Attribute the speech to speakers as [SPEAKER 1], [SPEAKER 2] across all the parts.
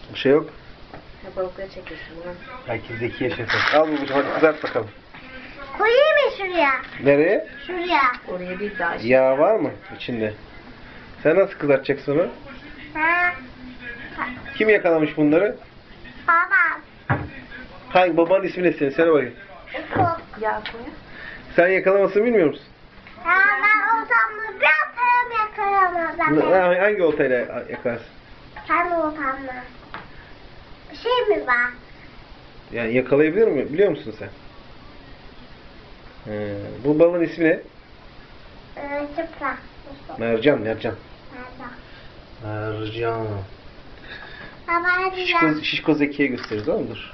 [SPEAKER 1] Bir şey yok.
[SPEAKER 2] Ya balıkları çekiyorsun bunu.
[SPEAKER 1] Belki Zekiye şefe. Al babacığım hadi kızart bakalım.
[SPEAKER 3] Koyayım mı şuraya?
[SPEAKER 1] Nereye?
[SPEAKER 3] Şuraya.
[SPEAKER 2] Oraya bir daha
[SPEAKER 1] Yağ var mı içinde? Sen nasıl kızartacaksın onu?
[SPEAKER 3] Ha.
[SPEAKER 1] Kim yakalamış bunları?
[SPEAKER 3] Babam.
[SPEAKER 1] Hangi babanın ismi ne senin? Söyle bakayım.
[SPEAKER 3] Ufuk.
[SPEAKER 2] yağ koy.
[SPEAKER 1] Sen yakalamasını bilmiyor musun?
[SPEAKER 3] Ha, ben oltamla biraz param yakalamam.
[SPEAKER 1] Hangi oltayla yakalarsın?
[SPEAKER 3] Sen oltamla. Bir şey mi var?
[SPEAKER 1] Yani yakalayabilir mi? Biliyor musun sen? Bu balığın ismi ne?
[SPEAKER 3] Çıpra.
[SPEAKER 1] Mercan, mercan.
[SPEAKER 3] Nerede?
[SPEAKER 1] Mercan.
[SPEAKER 3] Baba hadi
[SPEAKER 1] Şişko,
[SPEAKER 3] ya.
[SPEAKER 1] şişko Zeki'ye gösteririz, tamam mı? Dur.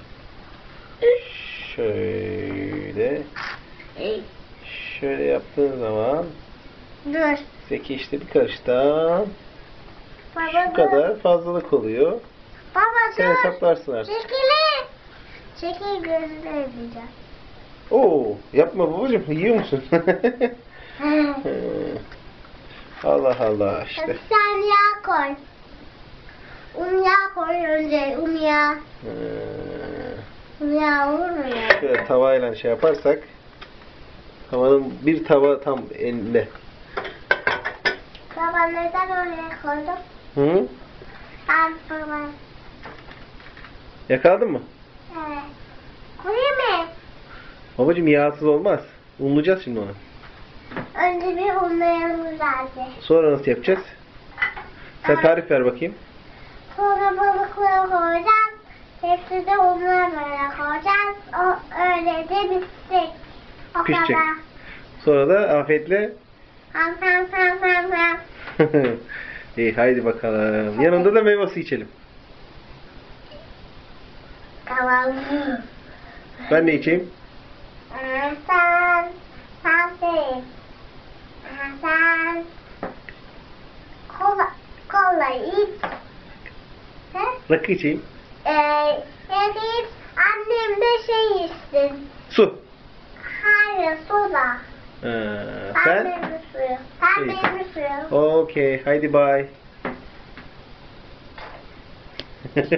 [SPEAKER 1] Şöyle. Şöyle yaptığın zaman
[SPEAKER 3] Dur.
[SPEAKER 1] Zeki işte bir karıştan
[SPEAKER 3] Baba
[SPEAKER 1] şu kadar fazlalık oluyor.
[SPEAKER 3] Baba
[SPEAKER 1] Sen
[SPEAKER 3] dur.
[SPEAKER 1] hesaplarsın artık.
[SPEAKER 3] Çekilin. Çekil gözünü ödeyeceğim.
[SPEAKER 1] Oo, yapma babacığım. Yiyor musun? Allah Allah işte.
[SPEAKER 3] Hadi sen yağ koy. Un yağ koy önce. Un yağ. Un yağ olur mu ya?
[SPEAKER 1] Şöyle tavayla şey yaparsak tavanın bir tava tam eline.
[SPEAKER 3] Baba neden oraya koydum?
[SPEAKER 1] Hı?
[SPEAKER 3] Ben baba.
[SPEAKER 1] Yakaladın mı?
[SPEAKER 3] Evet. Koyayım mı?
[SPEAKER 1] Babacığım yağsız olmaz. Unlayacağız şimdi onu.
[SPEAKER 3] Önce bir unlayalım lazım.
[SPEAKER 1] Sonra nasıl yapacağız? Sen tarif ver bakayım.
[SPEAKER 3] Sonra balıkları koyacağız. Hepsini unlar böyle koyacağız. O öyle de bitecek. O
[SPEAKER 1] Pişecek.
[SPEAKER 3] kadar.
[SPEAKER 1] Sonra da afiyetle
[SPEAKER 3] Ham ham ham ham ham.
[SPEAKER 1] İyi haydi bakalım. Yanında da meyve suyu içelim.
[SPEAKER 3] Tamam.
[SPEAKER 1] Ben ne içeyim?
[SPEAKER 3] Sen kola iç. He?
[SPEAKER 1] Rakı içeyim.
[SPEAKER 3] Iç. Annem de şey içsin.
[SPEAKER 1] Su.
[SPEAKER 3] Hayır soda.
[SPEAKER 1] Sen?
[SPEAKER 3] Meyve suyu. Sen
[SPEAKER 1] İyi.
[SPEAKER 3] meyve suyu.
[SPEAKER 1] Okey. Haydi bye.